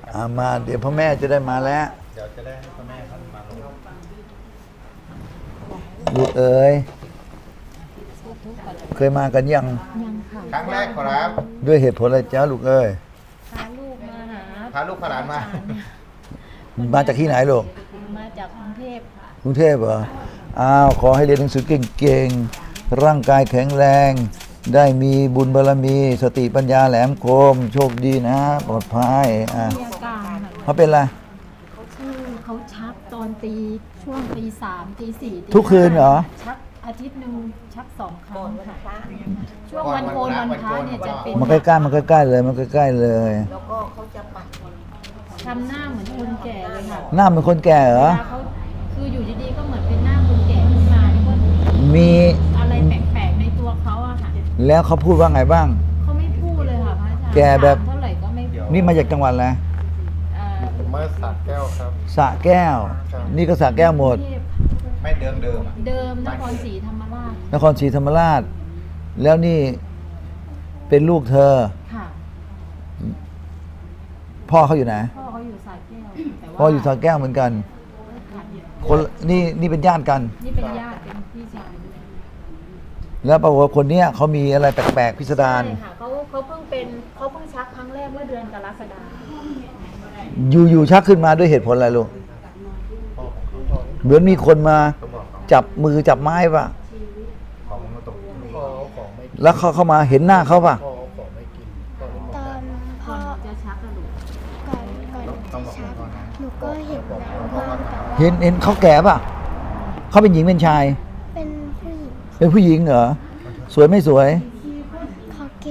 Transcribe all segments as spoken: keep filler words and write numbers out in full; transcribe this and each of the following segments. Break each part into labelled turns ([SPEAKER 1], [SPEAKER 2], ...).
[SPEAKER 1] อ่ามาเดี๋ยวพ่อแม่จะได้มาแล้ว
[SPEAKER 2] เดี๋ยวจะได้ให้พ่อแม่ท่านมาลง
[SPEAKER 1] ลูกเอ๋ยเคยมากันยัง
[SPEAKER 3] ยังค่ะ
[SPEAKER 2] ครั้งแรกครับ
[SPEAKER 1] ด้วยเหตุผลอะไรจ้าลูกเอ๋ย
[SPEAKER 3] พาลูกมาหา
[SPEAKER 2] พาลูกพาหลานมา
[SPEAKER 1] มาจากที่ไหนลูก
[SPEAKER 3] มาจากกรุงเทพค่ะ
[SPEAKER 1] กรุงเทพเหรออ้าวขอให้เรียนหนังสือเก่งๆร่างกายแข็งแรง ได้มีบุญบารมีสติปัญญาแหลมคม โชคดีนะปลอดภัยอ่ะ
[SPEAKER 3] มีอาการค่ะ
[SPEAKER 1] เขาเป็นอะไร
[SPEAKER 3] ชื่อเขาชักตอนตีช่วงตีสามตีสี่ตี
[SPEAKER 1] ทุกคืนเหรอ
[SPEAKER 3] ชักอาทิตย์หนึ่งชักสองครั้งค่ะช่วงวันโกนวันพระเนี่ยจะเป็น
[SPEAKER 1] มันใกล้ๆมันใกล้ๆเลยมันใกล้ๆเลย
[SPEAKER 4] แล้วก็เขาจะปัด
[SPEAKER 3] ทำหน้าเหมือนคนแก่เลยค่ะ
[SPEAKER 1] หน้าเป็นคนแก่เหร
[SPEAKER 3] เว
[SPEAKER 1] อ
[SPEAKER 3] ลาเขาคืออยู่ดีๆก็เหมือนเป็นหน้าคนแก่ขึ้นมาแล้วก็
[SPEAKER 1] มี
[SPEAKER 3] อะไรแปลกๆในตัวเขาอะค่ะ
[SPEAKER 1] แล้วเขาพูดว่าไงบ้าง
[SPEAKER 3] เขาไม่พูดเลยค่ะพระอาจารย์
[SPEAKER 1] แก่แบบ
[SPEAKER 3] ถามเท่าไหร่ก็ไม่พูด
[SPEAKER 1] นี่มาจากจังหวัดอะไร
[SPEAKER 3] เอ่อ
[SPEAKER 2] ผมมาสักแก้วครับ
[SPEAKER 1] สระแก้ว
[SPEAKER 2] ครับ
[SPEAKER 1] นี่ก็สระแก้วหมด
[SPEAKER 3] กรุงเทพ
[SPEAKER 2] ไม่เดิมเดิมๆอ่ะ
[SPEAKER 3] เดิมนครศรีธรรมราช
[SPEAKER 1] นครศรีธรรมราช แล้วนี่เป็นลูกเธอ
[SPEAKER 3] ค่ะ
[SPEAKER 1] พ่อเขาอยู่ไหน
[SPEAKER 3] พ่อเขาอยู่สระแก้วแต่ว่า
[SPEAKER 1] พ่ออยู่สระแก้วเหมือนกัน
[SPEAKER 3] ค่ะ
[SPEAKER 1] คนนี่นี่เป็นญาติกัน
[SPEAKER 3] นี่เป็นญาติเป็นพี่ชาย
[SPEAKER 1] แล้วปรากฏว่าคนเนี้ยเขามีอะไรแปลกๆพิสดาร
[SPEAKER 3] ใช่ค่ะเขาเขาเพิ่งเป็นเขาเพิ่งชักครั้งแรกเมื่อเดือนกรกฎาคม
[SPEAKER 1] อยู่ๆชักขึ้นมาด้วยเหตุผลอะไรลูก
[SPEAKER 2] พ่อของพ่อ
[SPEAKER 1] เหมือนมีคนมา
[SPEAKER 2] เขาบอกเขา
[SPEAKER 1] จับมือจับไม้ป่ะ
[SPEAKER 2] ของมาตกพ่อเอาของไม่
[SPEAKER 1] แล้วเขาเข้ามาเห็นหน้าเขาป่ะ
[SPEAKER 2] พ่อเอาของไม่กินพ่อเลย
[SPEAKER 4] ตอนพ่
[SPEAKER 3] ก่
[SPEAKER 4] อ
[SPEAKER 3] อนจะชักกระดูก
[SPEAKER 4] ก่อนก่อนจะชักหนูก็เห็นนะว่าแบบว่า
[SPEAKER 1] เห็นเห็นเขาแก่ป่ะเขาเป็นหญิงเป็นชาย
[SPEAKER 4] เป็นผู้หญิง
[SPEAKER 1] เป็นผู้หญิงเหรอสวยไม่สวย
[SPEAKER 4] เขาเก๋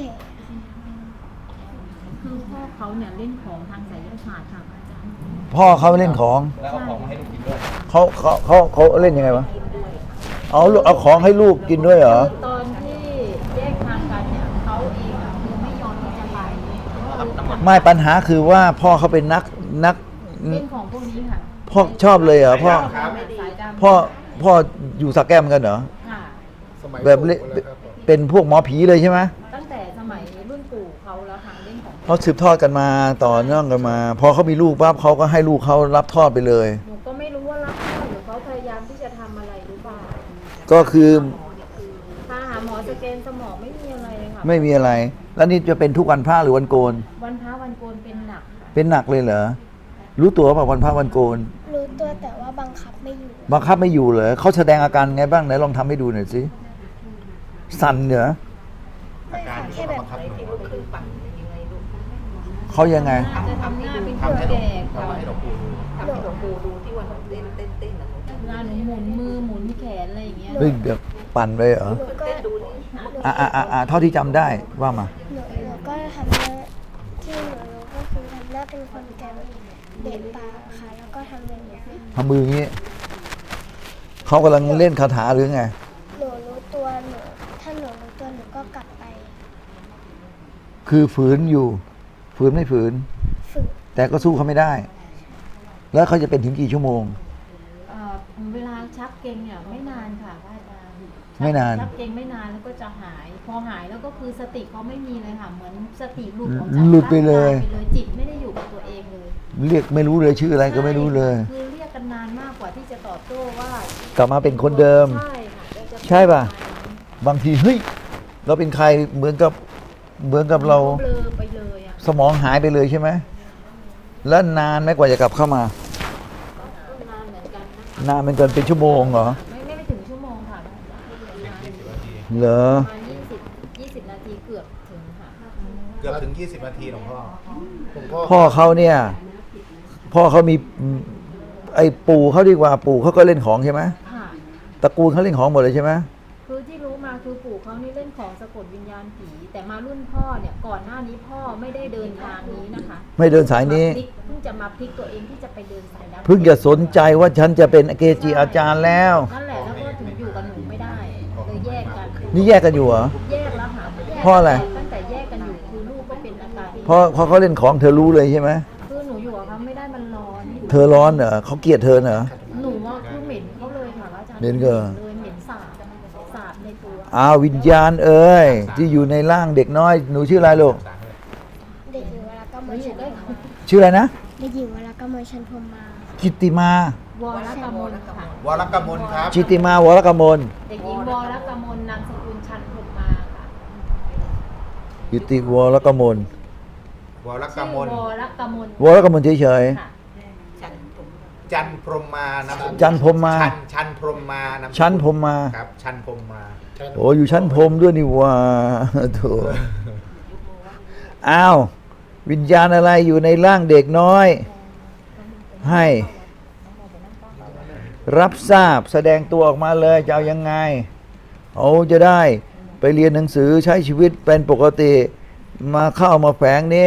[SPEAKER 3] คือพ่อเขาเนี่ยเล่นของทางไสยศาสตร์ค่ะอาจารย์
[SPEAKER 1] พ่อเขาเล่นของ
[SPEAKER 2] แล้วเอาของมาให้ลูกกินด้วย
[SPEAKER 1] เขาเขาเขาเขาเล่นยังไงวะเอาลูกเอาของให้ลูกกินด้วยเหรอ
[SPEAKER 3] ตอนที่แยกทางกันเนี่ยเขาเองอะคือไม่ยอมที่จะไป
[SPEAKER 1] ไม่ปัญหาคือว่าพ่อเขาเป็นนักนัก
[SPEAKER 3] เล่นของพวกนี้ค่ะ
[SPEAKER 1] พ่อชอบเลยเหรอพ่อ
[SPEAKER 2] ครับ
[SPEAKER 3] สายดำ
[SPEAKER 1] พ่อพ่ออยู่สักแก้วเหมือนกันเหรอ
[SPEAKER 3] ค่ะ
[SPEAKER 2] สมัย
[SPEAKER 1] แบบเล่น
[SPEAKER 2] ปู่แล้วครับผม
[SPEAKER 1] เป็นพวกหมอผีเลยใช่ไหม
[SPEAKER 3] ตั้งแต่สมัยรุ่นปู่เขาแล้วค่ะเล่นของ
[SPEAKER 1] เขาสืบทอดกันมาต่อเนื่องกันมา พอเขามีลูกปั๊บเขาก็ให้ลูกเขารับทอดไปเลย
[SPEAKER 3] หนูก็ไม่รู้ว่ารับพ่อหรือเขาพยายามที่จะทำอะไรหรือเปล่า
[SPEAKER 1] ก็คือ
[SPEAKER 3] พาหาหมอสแกนสมองไม่มีอะไรเลยค่ะ
[SPEAKER 1] ไม่มีอะไร แล้วนี่จะเป็นทุกวันพระหรือวันโกน
[SPEAKER 3] วันพระวันโกนเป็นหนักค่ะ
[SPEAKER 1] เป็นหนักเลยเหรอรู้ตัวป่ะวันพระวันโกน
[SPEAKER 4] รู้ตัวแต่ว่าบังคับไม่อยู่
[SPEAKER 1] บังคับไม่อยู่เหรอเขาแสดงอาการไงบ้างไหนลองทำให้ดูหน่อยสิสั่นเหรอ
[SPEAKER 2] อาการที่เขาบังคับหนูก็คือ
[SPEAKER 1] เขายังไง
[SPEAKER 3] น่าจะทำหน้าเป็นคน
[SPEAKER 2] ทำให้หลว
[SPEAKER 3] แก่
[SPEAKER 2] งทำให้หลวงปู่ดู
[SPEAKER 4] ทำให้หลวงปู่ดูที่วันเต้นเต้นเต้นนะ
[SPEAKER 3] เวลาหนูหมุนมือหมุนแขนอะไรอย่างเงี้ย
[SPEAKER 1] เฮ้ยเดี๋ยวปั่นไปเหรอ
[SPEAKER 4] หนูก็
[SPEAKER 1] อ่ะอ่ะอ่ะอ่ะเท่าที่จำได้ว่ามา
[SPEAKER 4] หนูหนูก็ทำหน้าที่หนูรู้ก็คือทำหน้าเป็นคนแก่แบบเด็กปากค่ะ แล้วก็ทำเป็นอย่างนี้
[SPEAKER 1] ทำมืออย่างนี้เขากำลังเล่นคาถาหรือไง
[SPEAKER 4] หนูรู้ตัวหนูถ้าหนูรู้ตัวหนูก็กลับไป
[SPEAKER 1] คือฝืนอยู่ ฝืนไม่ฝืน
[SPEAKER 4] ฝึก
[SPEAKER 1] แต่ก็สู้เขาไม่ได้ แล้วเขาจะเป็นถึงกี่ชั่วโมง
[SPEAKER 3] เอ่อเวลาชักเกร็งเนี่ยไม่นานค่ะพระอาจารย์ชัก
[SPEAKER 1] ไม่นาน
[SPEAKER 3] ชักเกร็งไม่นานแล้วก็จะหาย พอหายแล้วก็คือสติเขาไม่มีเลยค่ะ เหมือนสติหลุดออกจาก
[SPEAKER 1] หลุดไปเลย
[SPEAKER 3] ร่างกาไปเลยจิตไม่ได้อยู่กับตัวเองเลย
[SPEAKER 1] เรียกไม่รู้เลยชื่ออะไรก็ไม่รู้เลย
[SPEAKER 3] คือเรียกกันนานมากกว่าที่จะตอบโต้ว่าก
[SPEAKER 1] ลับมาเป็นคนเดิม
[SPEAKER 3] ใช่ค่ะแล้วจ
[SPEAKER 1] ใช่ป่ะ บางทีเฮ้ยเราเป็นใครเหมือนกับเหมือนกับเรา
[SPEAKER 3] เบลอไปเลยอ่ะ
[SPEAKER 1] สมองหายไปเลยใช่ไหมแล้วนานไหมกว่าจะกลับเข้ามา
[SPEAKER 3] ก็นานเหมือนกันนะคะ
[SPEAKER 1] นานเป็นเกินเป็นชั่วโมงเหรอ
[SPEAKER 3] ไม่ไม่ไม่ถึงชั่วโมงค่ะ
[SPEAKER 1] เหรอ
[SPEAKER 3] ประมาณยี่สิบยี่สิบนาทีเกือบถึงค่ะ
[SPEAKER 2] เกือบถึงยี่สิบนาทีหลวงพ่อหลวงพ่อ
[SPEAKER 1] พ่อเขาเนี่ย พ่อเขามีไอ้ปู่เขาดีกว่าปู่เขาก็เล่นของใช่ไหม
[SPEAKER 3] ค่ะ
[SPEAKER 1] ตระกูลเขาเล่นของหมดเลยใช่ไหม
[SPEAKER 3] คือที่รู้มาคือปู่เขานี่เล่นของสะกดวิญญาณผี แต่มารุ่นพ่อเนี่ยก่อนหน้านี้พ่อไม่ได้เดินทางนี้นะคะ
[SPEAKER 1] ไม่เดินสายนี้
[SPEAKER 3] มพลิกเพิ่งจะมาพลิกตัวเองที่จะไปเดินสายดำ
[SPEAKER 1] เพิ่งจะสนใจว่าฉันจะเป็นเกจิอาจารย์แล้ว
[SPEAKER 3] นั่นแหละแล้วก็ถึงอยู่กับหนูไม่ได้เลยแยกกัน
[SPEAKER 1] นี่แยกกันอยู่เหรอ
[SPEAKER 3] แยกแล้วค่ะแยก
[SPEAKER 1] เพราะอะไร
[SPEAKER 3] ตั้งแต่แยกกันอยู่คือลูกก็เป็นอาการ
[SPEAKER 1] เพราะเพราะเขาเล่นของเธอรู้เลยใช่ไหม
[SPEAKER 3] คือหนูอยู่กับเขาไม่ได้มันร้อน
[SPEAKER 1] เธอร้อนเหรอเขาเกลียดเธอเหรอ
[SPEAKER 3] หนูว่าคือเหม็นเขาเลยค่ะอาจารย์
[SPEAKER 1] เหม็นเกิน
[SPEAKER 3] เลยเหม็นสาบสาบในตัว
[SPEAKER 1] อ้าววิญญาณเอ้ยที่อยู่ในร่างเด็กน้อยหนูชื่ออะไรลูก
[SPEAKER 4] เด็กอยู่แล้วก็
[SPEAKER 3] หนู
[SPEAKER 4] มา
[SPEAKER 3] อ
[SPEAKER 4] อยู่
[SPEAKER 3] ยู่ใกล้เขา
[SPEAKER 1] ชื่ออะไรนะ
[SPEAKER 4] เเด็กหญิงวรกมลชันพรหมมา
[SPEAKER 1] จิตติมา
[SPEAKER 3] วรกมลค่ะ
[SPEAKER 2] วรกมลครับ
[SPEAKER 1] จิตติมาวรกมล
[SPEAKER 3] เด็กหญิงวรกมลนามสกุลชันพรหมมาค่ะ
[SPEAKER 1] จิตติวรกมล
[SPEAKER 2] วรก
[SPEAKER 3] ชื่อ
[SPEAKER 2] มล
[SPEAKER 3] วรกมล
[SPEAKER 1] วรกมลเฉย
[SPEAKER 3] ค่ะ
[SPEAKER 2] จันพรหมมานะ
[SPEAKER 1] ๆจันพรหมมา
[SPEAKER 2] ชันชันพรหมมานะ
[SPEAKER 1] ชั้นพรหมมา
[SPEAKER 2] ครับ ชันพรหมมา
[SPEAKER 1] โอ้อยู่ชั้นพรหมด้วยนี่หว่าโถอ้าววิญญาณอะไรอยู่ในร่างเด็กน้อย ให้ รับทราบแสดงตัวออกมาเลยจะเอายังไงเขาจะได้ไปเรียนหนังสือใช้ชีวิตเป็นปกติ มาเข้ามาแฝงนี่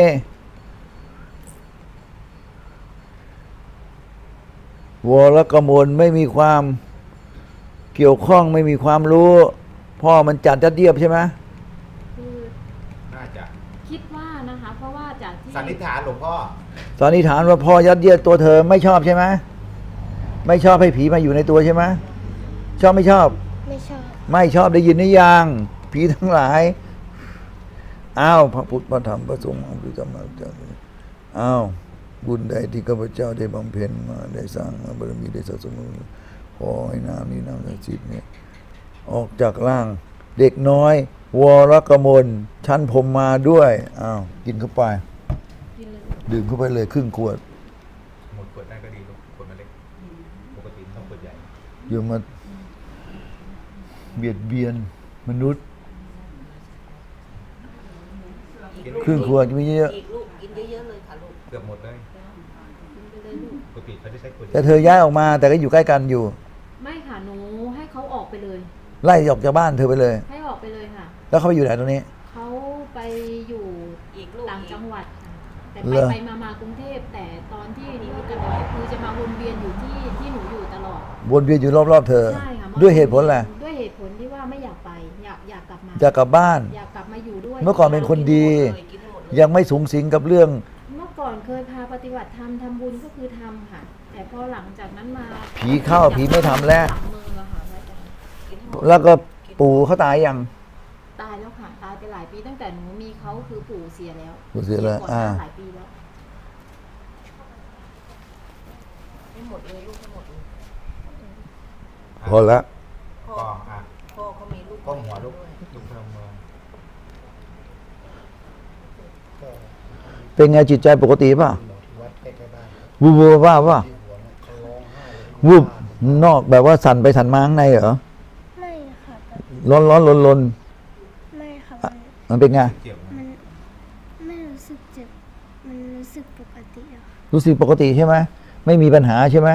[SPEAKER 1] วรกมลไม่มีความเกี่ยวข้องไม่มีความรู้ พ่อมันจัดจัดเยียบใช่ไหม
[SPEAKER 3] คือ
[SPEAKER 2] น่าจะ
[SPEAKER 3] คิดว่านะคะ เพราะว่าจากที่
[SPEAKER 2] สันนิษฐานหลวงพ่อ
[SPEAKER 1] สันนิษฐานว่าพ่อยัดเยียดตัวเธอไม่ชอบใช่ไหมไม่ชอบให้ผีมาอยู่ในตัวใช่ไหมชอบไม่ชอบ
[SPEAKER 4] ไม่ชอบ
[SPEAKER 1] ไม่ชอบได้ยินหรือยังผีทั้งหลายอ้าวพระพุทธพระธรรมพระสงฆ์พระธรรมเจ้าอ้าวบุญใดที่ข้าพเจ้าได้บำเพ็ญมาได้สร้างมาบารมีได้สะสมมาขอให้น้ำนี้น้ำศักดิ์สิทธิ์เนี่ยออกจากร่างเด็กน้อยวรกมลชั้นพรหมมาด้วยอ้าวกินเข้าไป
[SPEAKER 3] กินเลย
[SPEAKER 1] ดื่มเข้าไปเลยครึ่งขวด
[SPEAKER 2] หมดขวดได้ก็ดีลูกขวดมันเล็ก ปกติต้องขวดใหญ่
[SPEAKER 1] อย่ามาเบียดเบียนมนุษย์
[SPEAKER 2] กิน
[SPEAKER 1] ครึ่งขวดไม่เยอะ
[SPEAKER 5] อีกลูกกินเยอะๆเลยค่ะลูก
[SPEAKER 2] เกือบหมดเลย
[SPEAKER 3] กินไปเลยลูก
[SPEAKER 2] ปกติเขาจะใช้ขวดให
[SPEAKER 1] แต่
[SPEAKER 2] ญ่
[SPEAKER 1] เธอย้ายออกมาแต่ก็อยู่ใกล้กันอยู่
[SPEAKER 3] ไม่ค่ะหนูให้เขาออกไปเลย
[SPEAKER 1] ไล่ออกจากบ้านเธอไปเลย
[SPEAKER 3] ให้ออกไปเลยค่ะ
[SPEAKER 1] แล้วเขาไปอยู่ไหนตรงนี้
[SPEAKER 3] เขาไปอยู่
[SPEAKER 5] อีกลูก
[SPEAKER 3] ต่าง
[SPEAKER 5] อีก
[SPEAKER 3] จังหวัดค่ะแต่
[SPEAKER 1] เห
[SPEAKER 3] ไป
[SPEAKER 1] รอ
[SPEAKER 3] ไปมามากรุงเทพแต่ตอนที่หนูกันเนี่ยคือจะมาวนเวียนอยู่ที่ที่หนูอยู่ตลอด
[SPEAKER 1] วนเวียนอยู่รอบๆเธอ
[SPEAKER 3] ใช่ค่ะ
[SPEAKER 1] ด้วยเหตุผลอะไร
[SPEAKER 3] ด้วยเหตุผลที่ว่าไม่อยากไป อยากอยากกลับมา
[SPEAKER 1] จะกลับบ้าน
[SPEAKER 3] อยากกลับมาอยู่ด้วย
[SPEAKER 1] เมื่อก่อนเป็นคนดี
[SPEAKER 5] เลยกินให้หมดเลย
[SPEAKER 1] ยังไม่สูงสิงกับเรื่อง
[SPEAKER 3] เมื่อก่อนเคยพาปฏิบัติธรรมทำบุญก็คือทำค่ะ แต่พอหลังจากนั้นมา
[SPEAKER 1] ผีเข้าผีไม่ทำแล้ว
[SPEAKER 3] หลังมืออะค่ะพระอาจารย์
[SPEAKER 5] กินให้หมด
[SPEAKER 1] แล้วก็ปู่เขาตายยัง
[SPEAKER 3] ตายแล้วค่ะตายไปหลายปีตั้งแต่หนูมีเขาคือปู่เสียแล้ว
[SPEAKER 1] ปู่เสียแล้ว
[SPEAKER 3] ก่อนห
[SPEAKER 1] อ่า
[SPEAKER 3] น้าหลายปีแล้ว
[SPEAKER 5] ให้หมดเลยลูกให้หมดเลย
[SPEAKER 1] พอละ
[SPEAKER 5] พ่อ
[SPEAKER 2] ก็อ่ะ
[SPEAKER 5] พ่อเขามีลูก
[SPEAKER 2] ก้มหัวลูก
[SPEAKER 5] ด้วย
[SPEAKER 2] ลูกเพิ่มมือ
[SPEAKER 1] เป็นไงจิตใจปกติป่ะ
[SPEAKER 2] วัดใกล้ๆบ้าน
[SPEAKER 1] วูบวูบว่าป่ะ
[SPEAKER 2] ที่หัวเนี่ยเขาร้องไห้เลย
[SPEAKER 1] วูบนอกแบบว่าสั่นไปสั่นมาข้างในเหรอ
[SPEAKER 4] ไม่ค่ะแบบ
[SPEAKER 1] ร้อนร้อนลนลน
[SPEAKER 4] ไม่ค่ะ มัน
[SPEAKER 1] มันเป็นไง
[SPEAKER 2] เกี่ยวไหม
[SPEAKER 4] มันไม่รู้สึกเจ็บ มันรู้สึกปกติอะค่ะ
[SPEAKER 1] รู้สึกปกติใช่ไหมไม่มีปัญหาใช่ไหม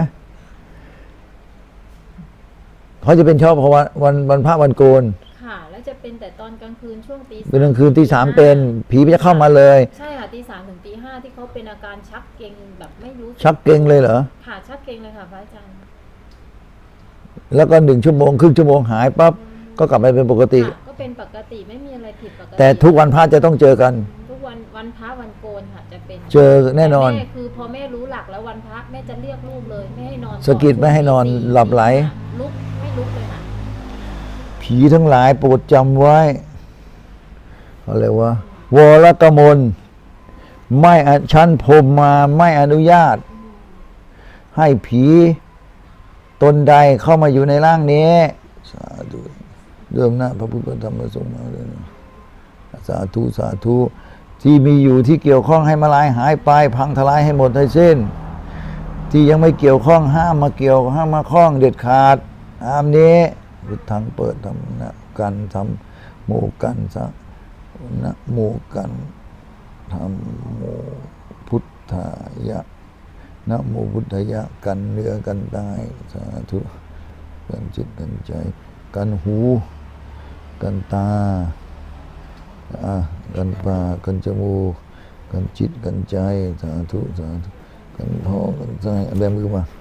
[SPEAKER 1] เขาจะเป็นชอบเพราะวันวันวันพระวันโกน
[SPEAKER 3] ค่ะ แล้วจะเป็นแต่ตอนกลางคืนช่วงตี
[SPEAKER 1] เป็นกลางคืนที่สามเป็นผีมันจะเข้ามาเลย
[SPEAKER 3] ใช่ค่ะตีสามถึงตีห้าที่เขาเป็นอาการชักเกร็งแบบไม่รู้
[SPEAKER 1] ชักเกร็งเลยเหรอ
[SPEAKER 3] ค่ะชักเกร็งเลยค่ะพระอาจารย์
[SPEAKER 1] แล้วก็หนึ่งชั่วโมงครึ่งชั่วโมงหายปั๊บก็กลับไปเป็นปกติ
[SPEAKER 3] ค่ะก็เป็นปกติไม่มีอะไรผิดปกติ
[SPEAKER 1] แต่ทุกวันพระจะต้องเจอกัน
[SPEAKER 3] ทุกวันวันพระวันโกนค่ะจะเป็น
[SPEAKER 1] เจอแน่นอน
[SPEAKER 3] ต่แม่คือพอแม่รู้หลักแล้ววันพระแม่จะเรียกลูกเลยไม่ให้นอน
[SPEAKER 1] สะกิดไม่ให้นอนหลับไหล
[SPEAKER 3] ลุกไม่ลุกเลยค่ะ
[SPEAKER 1] ผีทั้งหลายโปรดจำไว้อะไรวะวรกมลไม่อชั้นพรหมมาไม่อนุญาต ให้ผีตนใดเข้ามาอยู่ในร่างนี้สาธุเดิมหน้าพระพุทธธรรมพระสงฆ์มาเลยนะสาธุสาธุที่มีอยู่ที่เกี่ยวข้องให้มาลายหายไป พังทลายให้หมดให้สิ้น ที่ยังไม่เกี่ยวข้องห้ามมาเกี่ยวห้ามมาข้องเด็ดขาดห้ามนี้พุทธังเปิดทำนะกันทำโมกันสะนะโมกันทำโมพุทธายะนะโมพุทธายะกันเนื้อกันตายสาธุกันจิตกันใจ กันหูกันตาอ่ะกันปากกันจมูกกันจิตกันใจสาธุสาธุกันท้องกันใจเอาแบมือมา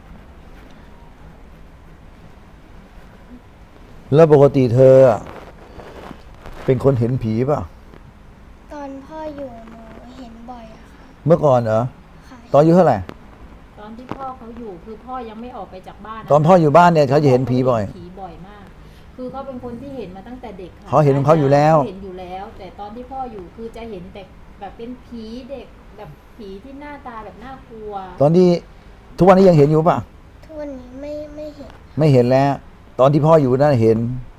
[SPEAKER 1] แล้วปกติเธออะเป็นคนเห็นผีป่ะ
[SPEAKER 4] ตอนพ่ออยู่หนูเห็นบ่อยอะค่ะ
[SPEAKER 1] เมื่อก่อนเหรอ
[SPEAKER 4] ค่ะ
[SPEAKER 1] ตอนอายุเท่าไหร่
[SPEAKER 3] ตอนที่พ่อเขาอยู่คือพ่อยังไม่ออกไปจากบ้านะ
[SPEAKER 1] ตอนพ่ออยู่บ้านเนี่ยเขาจะเห็นผีบ่อย
[SPEAKER 3] ผีบ่อยมาก คือเขาเป็นคนที่เห็นมาตั้งแต่เด็กค่ะ
[SPEAKER 1] เขาเห็นของเขาอยู่แล้ว
[SPEAKER 3] เห็นอยู่แล้ว แต่ตอนที่พ่ออยู่คือจะเห็นแต่แบบเป็นผีเด็กแบบผีที่หน้าตาแบบน่ากลัว
[SPEAKER 1] ตอนที่ทุกวันนี้ยังเห็นอยู่ป่ะ
[SPEAKER 4] ทุกวันนี้ไม่ไม่เห็น
[SPEAKER 1] ไม่เห็นแล้ว ตอนที่พ่ออยู่นั่นเห็น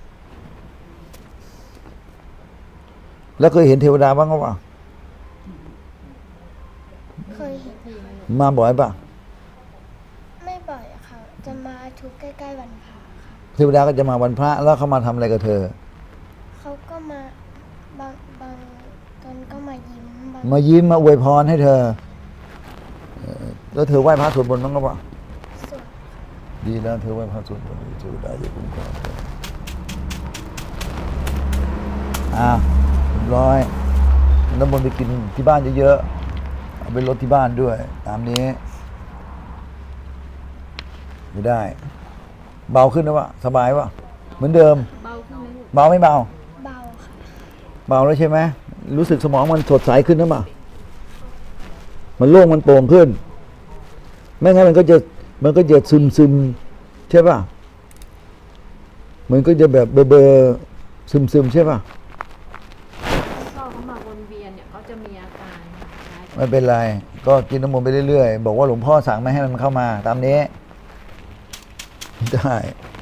[SPEAKER 1] แล้วเคยเห็นเทวดาบ้างก็ป่ะ
[SPEAKER 4] เคยเห็น
[SPEAKER 1] มาบ่อยป่ะ
[SPEAKER 4] ไม่บ่อยอะค่ะ จะมาทุกใกล้ๆวันพระค่ะ
[SPEAKER 1] เทวดาก็จะมาวันพระแล้วเขามาทำอะไรกับเธอ
[SPEAKER 4] เขาก็มาบางบางตอนก็มายิ้มบาง
[SPEAKER 1] มายิ้มมาอวยพรให้เธอเอ่อแล้วเธอไหว้พระสวดมนต์บ้างก็ป่ะ
[SPEAKER 4] ส่วน
[SPEAKER 1] ดีแล้วเธอไหว้พระสวดมนต์เทวดาจะคุ้มครองเธออ่ะเรียบร้อยน้ำมนต์ไปกินที่บ้านเยอะๆเอาไปลดที่บ้านด้วย ตามนี้ ไม่ได้ เบาขึ้นนะวะสบายวะเหมือนเดิม
[SPEAKER 3] เบาขึ้นไหมลูก
[SPEAKER 1] เบาไม่เบา
[SPEAKER 4] เบาค่ะ
[SPEAKER 1] เบาแล้วใช่ไหมรู้สึกสมองมันสดใสขึ้นนะมั้ยมันโล่งมันโปร่งขึ้น ไม่งั้นมันก็จะมันก็จะซึมซึมใช่ป่ะมันก็จะแบบเบอเบอซึมซึมใช่ป่ะ
[SPEAKER 3] พ่อเขามาวนเวียนเนี่ยเขาจะมีอาการค่ะ
[SPEAKER 1] ไม่เป็นไร ก็กินน้ำมนต์ไปเรื่อยๆบอกว่าหลวงพ่อสั่งไม่ให้มันเข้ามา ตามนี้ ได้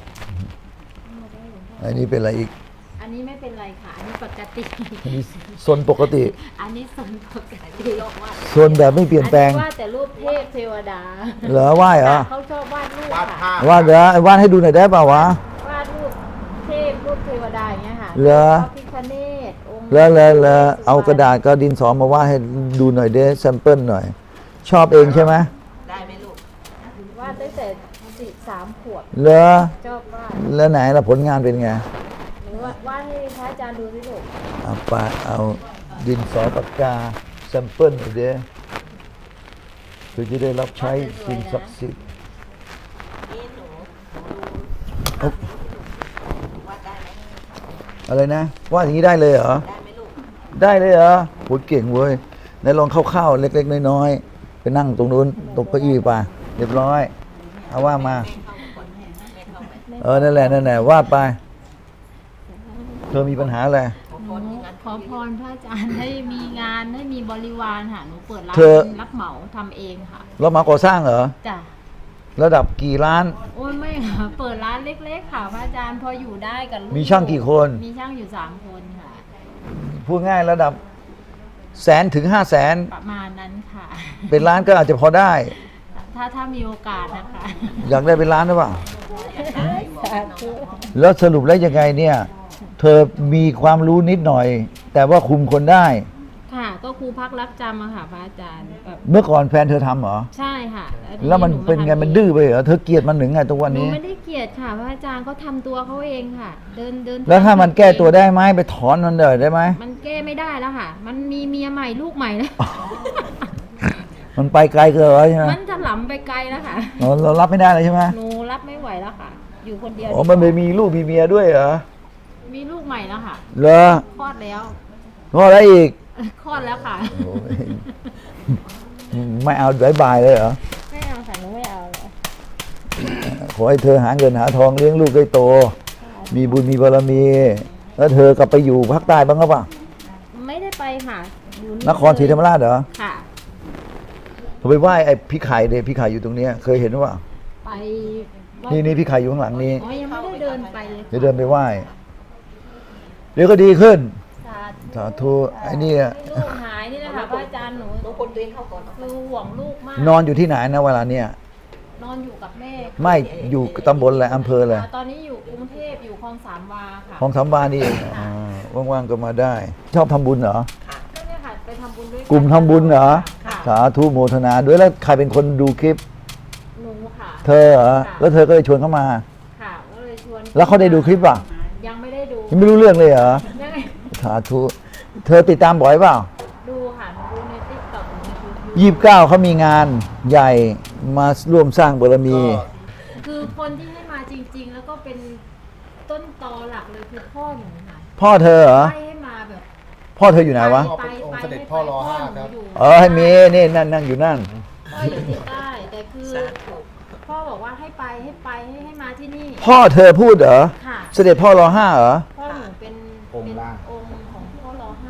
[SPEAKER 1] อันนี้เป็นอะไรอีก
[SPEAKER 3] อันนี้ไม่เป็นไรค่ะ อันนี้ปกติ
[SPEAKER 1] อันนี้โซนปกติ
[SPEAKER 3] อันนี้สนปกติ
[SPEAKER 1] โซนแบบไม่เปลี่ยนแปลง
[SPEAKER 3] อัว่าแต่รูปเทพเทวดา
[SPEAKER 1] เหรอไหว้เหรอ
[SPEAKER 3] เขาชอบวาดรูป
[SPEAKER 2] วาด
[SPEAKER 3] ค่ะ
[SPEAKER 2] ภาพ
[SPEAKER 1] วาดเดี๋ยววาดให้ดูหน่อยได้เปล่าวะ
[SPEAKER 3] วาดรูปเทพรูปเทวดาอย่างเงี้ยค่ะ
[SPEAKER 1] เหรอ
[SPEAKER 3] พระพิฆเนศองค์
[SPEAKER 1] แล้วแล้วแล้วเอากระดาษกับดินสอมาวาดให้ดูหน่อยเด้แซมเปิลหน่อย ชอบเองใช่ไหม
[SPEAKER 5] ได้ไหมลูก
[SPEAKER 3] วาดตั้งแต่สี่สามขวบ
[SPEAKER 1] เหรอ
[SPEAKER 3] ชอบวาด
[SPEAKER 1] แล้วไหนล่ะผลงานเป็นไง
[SPEAKER 3] หรือว่าวาดให้พระอาจารย์ดูสิลูก
[SPEAKER 1] เอาไปเอาดินสอปากกาแซมเปิลหน่อยเด้เพื่อจะได้รับใช้สิ่งศักดิ์สิทธิ์
[SPEAKER 5] นี่หนู
[SPEAKER 1] เอา
[SPEAKER 5] วาดได้ไหม
[SPEAKER 1] อะไรนะวาดอย่างนี้ได้เลยเหรอ
[SPEAKER 5] ได้ไหมลูก
[SPEAKER 1] ได้เลยเหรอโหเก่งเว้ยไหนลองคร่าวๆเล็กๆน้อยๆไปนั่งตรงนู้นตรงเก้าอี้ไปเรียบร้อยเอาว่ามา
[SPEAKER 5] เข้ามาก่อนไม่เข้าไหม
[SPEAKER 1] เออนั่นแหละนั่นแหละวาดไป เธอมีปัญหาอะไร
[SPEAKER 5] ขอ
[SPEAKER 3] ห
[SPEAKER 5] พ
[SPEAKER 3] นู
[SPEAKER 5] รอย่างนั้น
[SPEAKER 3] ขอพรพระอาจารย์ให้มีงานให้มีบริวารค่ะหนูเปิดร้าน
[SPEAKER 1] เธอ
[SPEAKER 3] รับเหมาทำเองค่ะ
[SPEAKER 1] เรามาก่อสร้างเหรอ
[SPEAKER 3] จ้ะ
[SPEAKER 1] ระดับกี่ล้าน
[SPEAKER 3] โอ้ยไม่ค่ะ เปิดร้านเล็กๆค่ะพระอาจารย์พออยู่ได้กับลูก
[SPEAKER 1] มีช่างกี่คน
[SPEAKER 3] มีช่างอยู่สามคนค่ะ
[SPEAKER 1] พูดง่ายระดับแสนถึงห้าแสน
[SPEAKER 3] ประมาณนั้นค่ะ
[SPEAKER 1] เป็นล้านก็อาจจะพอได้
[SPEAKER 3] ถ้าถ้ามีโอกาสนะคะ
[SPEAKER 1] อยากได้เป็นล้านหรือเปล่า
[SPEAKER 3] สาธุ
[SPEAKER 1] แล้วสรุปแล้วยังไงเนี่ย เธอมีความรู้นิดหน่อย แต่ว่าคุมคนได้
[SPEAKER 3] ค่ะ ก็ครูพักรักจำอะค่ะพระอาจารย์แบบ
[SPEAKER 1] เมื่อก่อนแฟนเธอทำเหรอ
[SPEAKER 3] ใช่ค่ะ
[SPEAKER 1] แล้วมันเป็นไงมันดื้อไปเหรอเธอเกลียดมันหนึ่งไงทุกวัน
[SPEAKER 3] หนู
[SPEAKER 1] นี้
[SPEAKER 3] ไม่ได้เกลียดค่ะพระอาจารย์เขาทำตัวเขาเองค่ะ เดินเดิน
[SPEAKER 1] แล้วถ้ามันแก้ตัวได้ไหมไปถอนมันเลยได้ไหม
[SPEAKER 3] มันแก้ไม่ได้แล้วค่ะ มันมีเมียใหม่ลูกใหม่แล้ว
[SPEAKER 1] มันไปไกลเกินแล้วใช่ไหม
[SPEAKER 3] มันจะหล้ำไปไกลแล้วค่ะ
[SPEAKER 1] อ๋อเรารับไม่ได้เลยใช่ไหม
[SPEAKER 3] หนูรับไม่ไหวแล้วค่ะ อยู่คนเดียว
[SPEAKER 1] อ๋อมันไปมีลูกมีเมียด้วยเหรอ
[SPEAKER 3] มีลูกใหม่แล้วค่ะ
[SPEAKER 1] เหรอ
[SPEAKER 3] คลอดแล้ว
[SPEAKER 1] เพราะอะไรอีก
[SPEAKER 3] คลอดแล้วค่ะ
[SPEAKER 1] โอ้ยไม่เอาบายบายเลยเหรอ
[SPEAKER 3] ไม่เอาค่ะหนูไม่เอาแล้ว
[SPEAKER 1] ขอให้เธอหาเงินหาทองเลี้ยงลูกได้โต มีบุญมีบารมี แล้วเธอกลับไปอยู่ภาคใต้บ้างหรือเปล่า
[SPEAKER 3] ไม่ได้ไปค่ะอยู่
[SPEAKER 1] นครศรีธรรมราชเหรอ
[SPEAKER 3] ค่ะ
[SPEAKER 1] เธอไปไหว้ไอ้พี่ไข่เดพี่ไข่อยู่ตรงเนี้ยเคยเห็นหรือเปล่า
[SPEAKER 3] ไป
[SPEAKER 1] นี่นี่พี่ไข่อยู่ข้างหลังนี้
[SPEAKER 3] อ๋อยังไม่ได้เดินไปเลยค่ะ
[SPEAKER 1] เดี๋ยวเดินไปไหว้ เดี๋ยวก็ดีขึ้น
[SPEAKER 3] สาธุ
[SPEAKER 1] สาธุไอ้เนี่ย
[SPEAKER 3] ให้ลูกหายนี่แหละค่ะพระอาจารย์หนู
[SPEAKER 5] หนูคนตัวเองเข้าก่อน
[SPEAKER 3] คือห่วงลูกมาก
[SPEAKER 1] นอนอยู่ที่ไหนนะเวลาเนี่ย
[SPEAKER 3] นอนอยู่กับแม่
[SPEAKER 1] ไม่อยู่ตำบลอะไรอำเภออะไร
[SPEAKER 3] อ่าตอนนี้อยู่กรุงเทพอยู่คลองสามวาค่ะ
[SPEAKER 1] ของสามวานี่เองอ่าว่างๆก็มาได้ ชอบทำบุญเหรอ
[SPEAKER 3] ก็เนี่ยค่ะไปทำบุญด้วยน
[SPEAKER 1] กลุ่มทำบุญเหรอ
[SPEAKER 3] ค่ะ
[SPEAKER 1] สาธุโมทนาด้วยแล้วใครเป็นคนดูคลิป
[SPEAKER 3] หนูค่ะ
[SPEAKER 1] เธอเหรอ แล้วเธอก็เลยชวนเข้ามา
[SPEAKER 3] ค่ะก็เลยชวน
[SPEAKER 1] แล้วเขาได้ดูคลิปป่ะ
[SPEAKER 3] ยังไม่ได้ดู
[SPEAKER 1] ยังไม่รู้เรื่องเลยเหรอ
[SPEAKER 3] ยังไง
[SPEAKER 1] สาธุ เธอติดตามบ่อยเปล่า
[SPEAKER 3] ดูค่ะหนูดูในติ๊กต็อกในยูทูบ
[SPEAKER 1] ยี่สิบเก้าเขามีงานใหญ่มาร่วมสร้างบารมี
[SPEAKER 3] คือคนที่ให้มาจริง ๆ แล้วก็เป็นต้นตอหลักเลยคือพ่อหนูค่ะ
[SPEAKER 1] พ่อเธอเหรอ
[SPEAKER 3] ไล่ให้มาแบบ
[SPEAKER 1] พ่อเธออยู่ไหนวะ
[SPEAKER 3] ไปไป
[SPEAKER 2] องค์เสด็จ
[SPEAKER 3] ให้ไป
[SPEAKER 2] พ่อรอห้าครับ
[SPEAKER 3] อยู่
[SPEAKER 1] เออให้มีนี่นั่นนั่งอยู่นั่น
[SPEAKER 3] พ่ออยู่ที่ใต้แต่คือ
[SPEAKER 5] สาธุ
[SPEAKER 3] พ่อบอกว่าให้ไปให้ไปให้ให้มาที่นี่
[SPEAKER 1] พ่อเธอพูดเหรอ
[SPEAKER 3] ค่ะ
[SPEAKER 1] เสด็จพ่อรอห้าเหรอ
[SPEAKER 3] พ่อหนูเป็น
[SPEAKER 2] องค์
[SPEAKER 3] เป็น
[SPEAKER 2] ล่าง
[SPEAKER 3] องค์ของพ่อรอห้า
[SPEAKER 2] เป็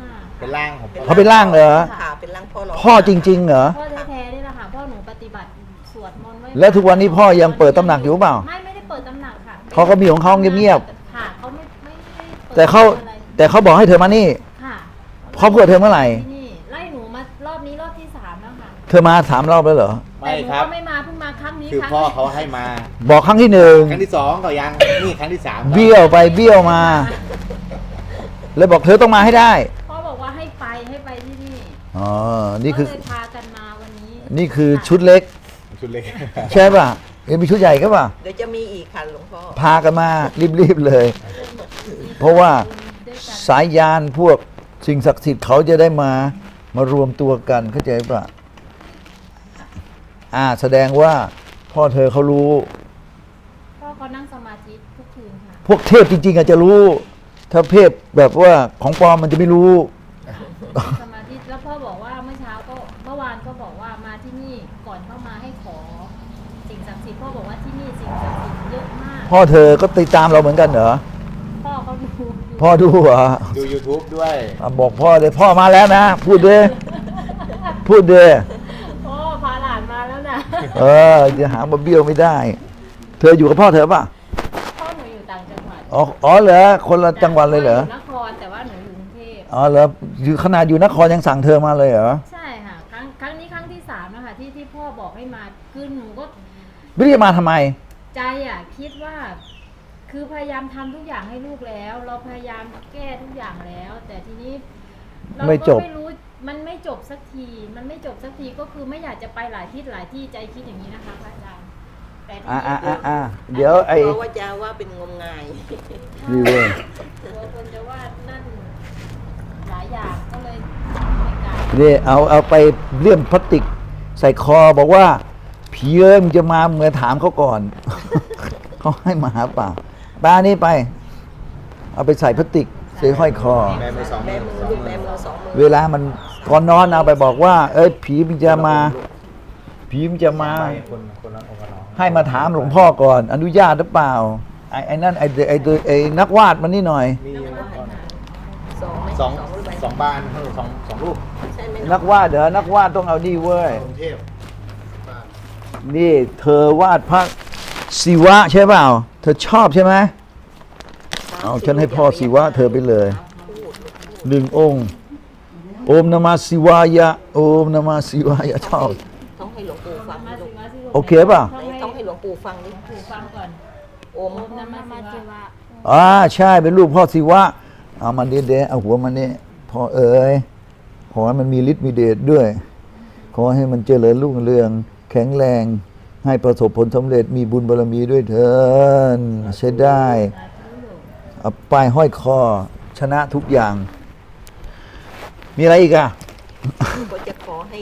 [SPEAKER 2] เป็นร่างของ
[SPEAKER 1] เขาเป็นร่างเหรอ
[SPEAKER 5] ค่ะเป็นร่างพ่อเรา
[SPEAKER 1] พ่อจริงๆเหรอ
[SPEAKER 3] พ่อแท้ๆนี่แหละค่ะพ่อหนูปฏิบัติสวดมนต์ไว้
[SPEAKER 1] แล้วทุกวันนี้พ่อยังเปิดตำหนักอยู่เปล่า
[SPEAKER 3] ไม่ไม่ได้เปิดตำหนักค่ะ
[SPEAKER 1] เขาก็มีของเขาเงียบ
[SPEAKER 3] ค่ะเขาไม่ไม่ได้ปิด
[SPEAKER 1] แต่เขา
[SPEAKER 3] อะไร
[SPEAKER 1] แต่เขาบอกให้เธอมานี่
[SPEAKER 3] ค่ะ
[SPEAKER 1] เขาเปิดเทอมเมื่อไหร่
[SPEAKER 3] ที่นี่ไล่หนูมารอบนี้รอบที่สามแล้วค่ะ
[SPEAKER 1] เธอมาสามรอบแล้วเหรอ
[SPEAKER 2] ไม่
[SPEAKER 3] แต่หนู
[SPEAKER 2] ครับ
[SPEAKER 3] ก็ไม่มาเพิ่งมาครั้งนี้
[SPEAKER 2] คือ
[SPEAKER 3] ครั้ง
[SPEAKER 2] พ่อเขาให้มา
[SPEAKER 1] บอกครั้งที่หนึ่ง
[SPEAKER 2] ครั้งที่สองก็ยังนี่ครั้งที่สาม
[SPEAKER 1] เบี้ยวไปเบี้ยวมา แล้วบอกเธอต้องมาให้ได้
[SPEAKER 3] พ่อบอกว่าให้ไปให้ไปที่นี่
[SPEAKER 1] อ๋อ นี่คือ
[SPEAKER 3] ก็เลยพากันมาวันนี้
[SPEAKER 1] นี่คือชุดเล็ก
[SPEAKER 2] ชุดเล็ก
[SPEAKER 1] ใช่ป่ะยังมีชุดใหญ่ก็ป่ะ
[SPEAKER 5] เดี๋ยวจะมีอีกค่ะหลวงพ่อ
[SPEAKER 1] พากันมารีบๆเลย เพราะว่า
[SPEAKER 3] ด้วยกัน
[SPEAKER 1] สายยานพวกสิ่งศักดิ์สิทธิ์เขาจะได้มามารวมตัวกันเข้าใจป่ะอ่า แสดงว่าพ่อเธอเขารู้
[SPEAKER 3] พ่อเขานั่งสมาธิทุกคืนค่ะ
[SPEAKER 1] พวกเทพจริงๆอาจจะรู้ ถ้าเทพแบบว่าของปลอมมันจะไม่รู้
[SPEAKER 3] สมาธิแล้วพ่อบอกว่าเมื่อเช้าก็เมื่อวานก็บอกว่ามาที่นี่ก่อนเข้ามาให้ขอสิ่งศักดิ์สิทธิ์พ่อบอกว่าที่นี่สิ่งศักดิ์สิทธิ์เยอะมาก
[SPEAKER 1] พ่อเธอก็ติดตามเราเหมือนกันเหรอ
[SPEAKER 3] พ่อเขาดูอยู่
[SPEAKER 1] พ่อดูเหรอ
[SPEAKER 2] ดู YouTube ด้วย
[SPEAKER 1] อ่ะบอกพ่อเลยพ่อมาแล้วนะ พูดเด้พูดเด้
[SPEAKER 3] พ่อพาหลานมาแล้วนะ
[SPEAKER 1] เออจะหามาเบี้ยวไม่ได้ เธออยู่กับพ่อเธอป่ะ
[SPEAKER 3] พ่อหนูอยู่ต่างจังหวัด
[SPEAKER 1] อ๋ออ๋อเหรอคนละจังหวัดเลยเหรอ
[SPEAKER 3] นครแต่ว่าหนูอยู่กรุงเทพ
[SPEAKER 1] อ๋อเหรออยู่ขนาดอยู่นครยังสั่งเธอมาเลยเหรอ
[SPEAKER 3] ใช่ค่ะครั้งครั้งนี้ครั้งที่สามนะคะที่ที่พ่อบอกให้มาคือหนูก็
[SPEAKER 1] ไม่รู้จะมาทำไม
[SPEAKER 3] ใจอ่ะคิดว่า คือพยายามทำทุกอย่างให้ลูกแล้ว เราพยายามแก้ทุกอย่างแล้ว แต่ทีนี้เรา
[SPEAKER 1] ไม่จ
[SPEAKER 3] ก็
[SPEAKER 1] บ
[SPEAKER 3] ไม่รู้มันไม่จบสักที มันไม่จบสักทีก็คือไม่อยากจะไปหลายที่หลายที่ใจคิดอย่างนี้นะคะพระอาจารย์แต่ที
[SPEAKER 1] อ่า
[SPEAKER 3] นี้
[SPEAKER 1] อ่าอ่าอ่าเดี๋ยวไอ้
[SPEAKER 5] เพราะว่าจะว่าเป็นงมงาย
[SPEAKER 1] รีเวอร์
[SPEAKER 3] กลัวคนจะว่านั่นหลายอย่างก็เลยไม่กล้า
[SPEAKER 1] นี่เอาเอาไปเลื่อมพลาสติก ใส่คอบอกว่าผีเอ้ยมงจะมาเมื่อถามเขาก่อน เขาให้มาหาเปล่าปลานี่ไป เอาไปใส่พลาสติกใส่ห้อยคอ
[SPEAKER 2] แม่มือสอง
[SPEAKER 5] แม่
[SPEAKER 2] มือ
[SPEAKER 5] มือลูกแม่มือสองมือ
[SPEAKER 1] เวลามันก่อนนอนเอาไปบอกว่า เอ้ยผีมันจะมา ผีมันจะมา
[SPEAKER 2] คนคนละองค์ละน้อง
[SPEAKER 1] ให้มาถามหลวงพ่อก่อน อนุญาตหรือเปล่า ไอ้ไอ้นั่นไอ้ไอ้ไอ้นักวาดมันนี่หน่อย
[SPEAKER 2] มี
[SPEAKER 5] สองไหม
[SPEAKER 2] สอง
[SPEAKER 5] หรือไม่
[SPEAKER 2] สองบานเออสองสองรูป
[SPEAKER 5] ใช่ไหม
[SPEAKER 1] นักวาดเดี๋ยวนักวาดต้องเอานี่เว้ย
[SPEAKER 2] กรุงเทพบ้าน
[SPEAKER 1] นี่เธอวาดพระศิวะใช่เปล่า เธอชอบใช่ไหม เอาฉันให้พ่อศิวะเธอไปเลย หนึ่งองค์ โอมนมาศิวายะ โอมนมาศิวายะชอบ
[SPEAKER 5] ต้องให้หลวงปู่ฟัง
[SPEAKER 3] มา
[SPEAKER 5] ลู
[SPEAKER 3] สิ
[SPEAKER 5] ก
[SPEAKER 3] มาสิ
[SPEAKER 1] โอเคป่ะ
[SPEAKER 5] ต้องให้หลวงปู่ฟังดิ
[SPEAKER 3] ถูกฟังก่อน
[SPEAKER 5] โอม
[SPEAKER 3] โอมนะมาสิวะ
[SPEAKER 1] อ่าใช่เป็นลูกพ่อศิวะ เอามันเด็ดๆเอาหัวมันนี่พ่อเอ๋ยขอให้มันมีฤทธิ์มีเดชด้วย ขอให้มันเจริญรุ่งเรือง แข็งแรง ให้ประสบผลสำเร็จมีบุญบารมีด้วยเถินใช้ได้ เอาป้ายห้อยคอ ชนะทุกอย่าง มีอะไรอีกอ่ะ
[SPEAKER 5] ก็จะขอให้